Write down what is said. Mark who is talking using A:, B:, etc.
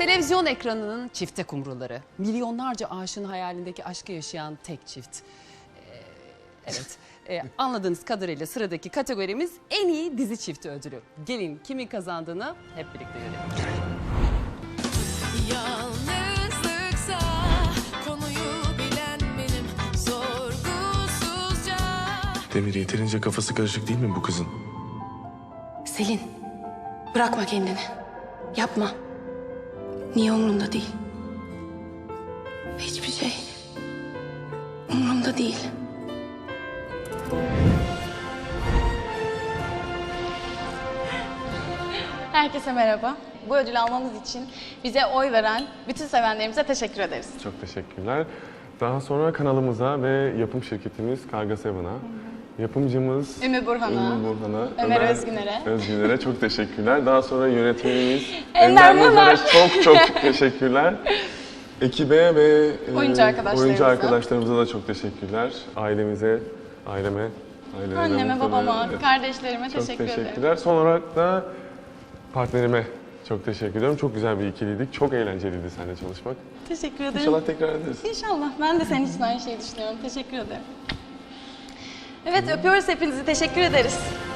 A: Televizyon ekranının çifte kumruları. Milyonlarca aşığın hayalindeki aşkı yaşayan tek çift. Evet. Anladığınız kadarıyla sıradaki kategorimiz en iyi dizi çifti ödülü. Gelin kimin kazandığını hep birlikte görelim.
B: Yalnızlıksa konuyu bilen benim sorgusuzca.
C: Demir yeterince kafası karışık değil mi bu kızın?
D: Selin, bırakma kendini. Yapma. Niye umurumda değil? Hiçbir şey umurumda değil.
E: Herkese merhaba. Bu ödülü almamız için bize oy veren bütün sevenlerimize teşekkür ederiz.
F: Çok teşekkürler. Daha sonra kanalımıza ve yapım şirketimiz Karga Seven'a, yapımcımız
E: Ümmü Burhan'a,
F: Ömer
E: Özgüner'e.
F: Özgüner'e çok teşekkürler. Daha sonra yönetmenimiz
E: Ender
F: Muzer'e çok teşekkürler. Ekibe ve oyuncu arkadaşlarımıza da çok teşekkürler. Aileme,
E: Anneme, babama, kardeşlerime
F: çok
E: teşekkür ederim.
F: teşekkürler. Son olarak da partnerime çok teşekkür ediyorum. Çok güzel bir ikiliydik. Çok eğlenceliydi seninle çalışmak.
E: Teşekkür ederim.
F: İnşallah tekrar ederiz.
E: İnşallah. Ben de senin için aynı şeyi düşünüyorum. Teşekkür ederim. Evet, öpüyoruz hepinizi. Teşekkür ederiz.